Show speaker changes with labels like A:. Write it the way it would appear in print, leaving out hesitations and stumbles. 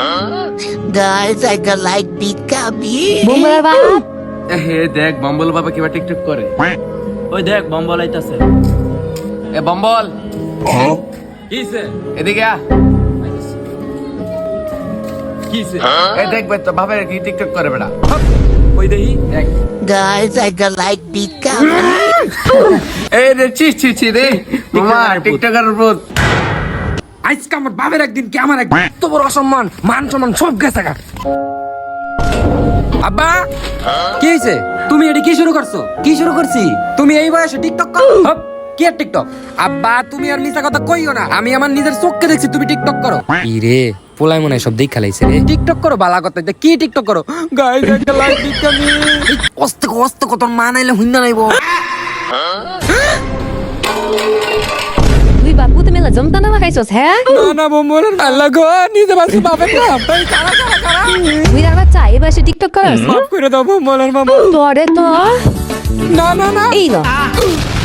A: Guys, I got like Pikachu.
B: বোম্বলের বাপ
C: হে দেখ bumble বাবা কিবা টিকটক করে।
D: ওই দেখ বম্বল আইতাছে।
C: এ বম্বল
D: কিছে?
C: এদিকে আ।
D: কিছে?
C: এ দেখ ভাই তো ভাবে কি টিকটক করে বেটা।
D: ওই দেহি
C: দেখ
A: Guys, I got like Pikachu.
C: এই রে চি রে মামা টিকটকার ভূত।
E: আজকে আমার বাবার একদিন কি আমার একদিন এত বড় অসম্মান মান সম্মান সব গেছে গা। আব্বা কি হয়েছে? তুমি এটি কি শুরু করছো? কি শুরু করছি? তুমি এই বয়সে টিকটক করো? হপ, কি আর টিকটক? আব্বা তুমি আর মিছা কথা কইও না, আমি আমার নিজের চোখকে দেখছি তুমি টিকটক করো। কি রে পোলাই মনে হয় সব দেখ খেলাইছে রে। টিকটক করো বালা কথা, কি টিকটক করো? গাইস একটা লাইক দিতে আমি অস্তে কত মা নাইলে হুইন্দা নাইবো।
B: তুই বাপু তুমি জমতা না খাইছস হ্যাঁ
E: না বম্বলের আল্লাহ গো নিজে বাসু বাপের না ভাই কারা
B: তুই আর বাচ্চা এবার সে টিকটক করস
E: মাফ করে দাও বম্বলের মামা।
B: তোরে তো
E: না
B: এই লো